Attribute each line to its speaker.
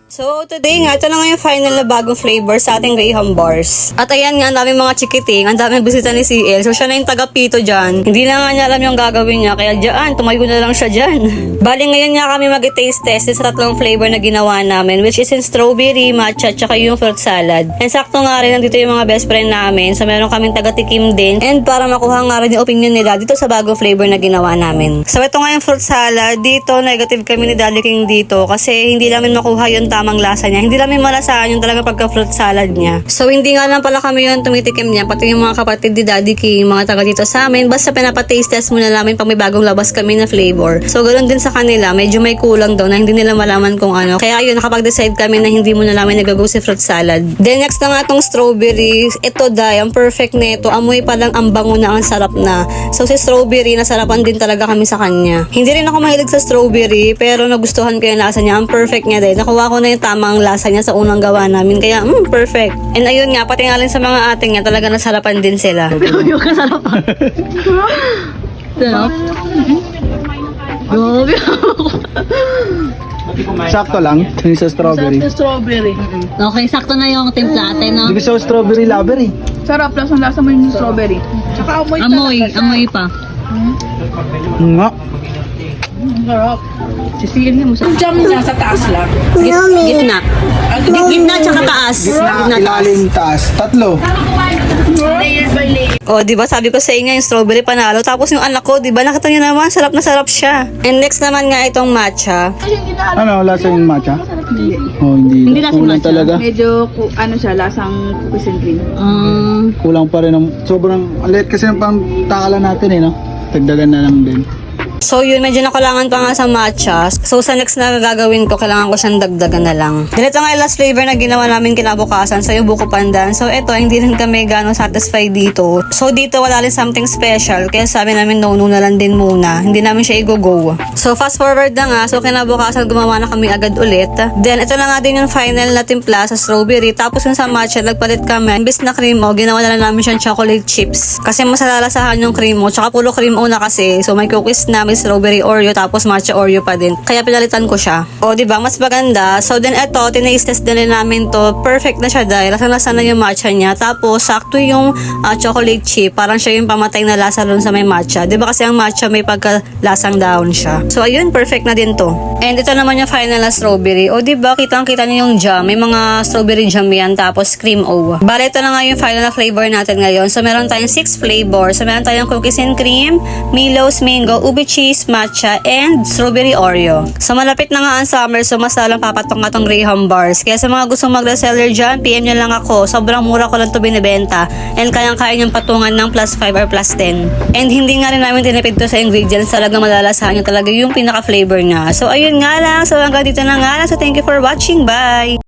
Speaker 1: So, today nga, ito na nga yung final na bagong flavor sa ating Graham Bars. At ayan nga, ang daming mga chikiting, ang daming bisita ni CL. So, siya na yung taga-pito dyan. Hindi na nga niya alam yung gagawin niya, kaya dyan, tumayo na lang siya dyan. Bali, ngayon nga kami mag-taste test sa tatlong flavor na ginawa namin, which is in strawberry, matcha, tsaka yung fruit salad. And sakto nga rin, nandito yung mga best friend namin. So, meron kaming taga-tikim din. And para makuha nga rin yung opinion nila dito sa bagong flavor na ginawa namin. So, ito nga yung fruit salad. Dito, negative kami ni Daddy King dito kasi hindi namin makuha yung tamang lasa niya. Hindi namin malasahan yung talaga pagka-fruit salad niya. So, hindi nga lang pala kami yung tumitikim niya. Pati yung mga kapatid ni Daddy King, mga taga dito sa amin. Basta pinapa-taste test muna namin pag may bagong labas kami na flavor. So, ganoon din sa kanila. Medyo may kulang daw na hindi nila malaman kung ano. Kaya yun, nakapag-decide kami na hindi muna namin nagagawa si fruit salad. Then, next na nga itong strawberry. Ito, Day, ang perfect nito. Amoy pa lang ang bango na, ang sarap na. So, si strawberry, nasarapan din talaga kami sa kanya. Hindi rin ako mahilig sa strawberry, pero nagustuhan ko yung lasa niya. Ang perfect niya din. Nakuha ko na yung tamang lasa niya sa unang gawa namin. Kaya, perfect. And ayun nga, pati nga rin sa mga ating nga, talaga nasarapan din sila.
Speaker 2: Yung kasarapan. Sarap. Grabe.
Speaker 3: Sakto lang, yung sa strawberry.
Speaker 4: Strawberry.
Speaker 2: Okay, sakto na yung timpla ate, no?
Speaker 3: Hindi ko sa strawberry lover eh.
Speaker 4: Sarap, lasang-lasa mo yung strawberry. Tsaka amoy
Speaker 2: Amoy pa.
Speaker 3: Nga.
Speaker 4: Sarap. Sisihin mo sa... Yung jam niya sa taas lang.
Speaker 2: Gitna. Gitna tsaka taas. Gitna taas.
Speaker 3: Ilalim taas. Tatlo.
Speaker 4: Layer by layer.
Speaker 1: O, di ba sabi ko sa inyo yung strawberry panalo. Tapos yung anak ko, di ba nakita niyo naman, sarap na sarap siya. And next naman nga itong matcha.
Speaker 3: Ano, lasa yung matcha? Oh, hindi.
Speaker 2: Hindi lasa yung
Speaker 3: Kulang
Speaker 2: matcha.
Speaker 3: talaga.
Speaker 4: Medyo, ano siya, lasang cookies and cream.
Speaker 3: Kulang pa rin. Sobrang, liit kasi ng pangtakalan natin eh, no? Dagdagan na lang din.
Speaker 1: So yun, medyo nakulangan pa nga sa matcha. So sa next na gagawin ko, kailangan ko siyang dagdagan na lang. Then ito nga yung last flavor na ginawa namin kinabukasan. So yung buko pandan. So ito, hindi rin kami gano'ng satisfied dito. So dito wala rin something special. Kaya sabi namin no na lang din muna. Hindi namin siya i-go-go. So fast forward na nga. So kinabukasan gumawa na kami agad ulit. Then ito na nga din yung final na timpla sa strawberry. Tapos yung sa matcha, nagpalit kami. Imbis na cream o, ginawa na lang namin siyang chocolate chips. Kasi mas nalalasahan yung cream o. Tsaka pulo cream o na kasi. So may cookies na, may strawberry Oreo, tapos matcha Oreo pa din. Kaya pinalitan ko siya. O, di ba mas maganda. So, then eto, tinaste test din namin to. Perfect na siya dahil lasa na yung matcha niya. Tapos, sakto yung chocolate chip. Parang siya yung pamatay na lasa dun sa may matcha. Di ba kasi ang matcha may pagkalasang down siya. So, ayun, perfect na din to. And ito naman yung final na strawberry. O, di ba kitang-kita niyo yung jam. May mga strawberry jam yan. Tapos, cream o. Bale, ito na nga yung final na flavor natin ngayon. So, meron tayong 6 flavors. So, meron tayong cookies and cream, Milo's mango, ube cheese, matcha, and strawberry Oreo. So, malapit na nga ang summer, so mas lalang papatong nga tong Graham Bars. Kaya sa mga gustong mag-reseller dyan, PM nyo lang ako. Sobrang mura ko lang to binibenta. And kayang-kaya nyong patungan ng +5 or +10. And hindi nga rin namin tinipid to sa ingredients. Talagang malalasahan nyo talaga yung pinaka-flavor niya. So, ayun nga lang. So, hanggang dito na nga lang. So, thank you for watching. Bye!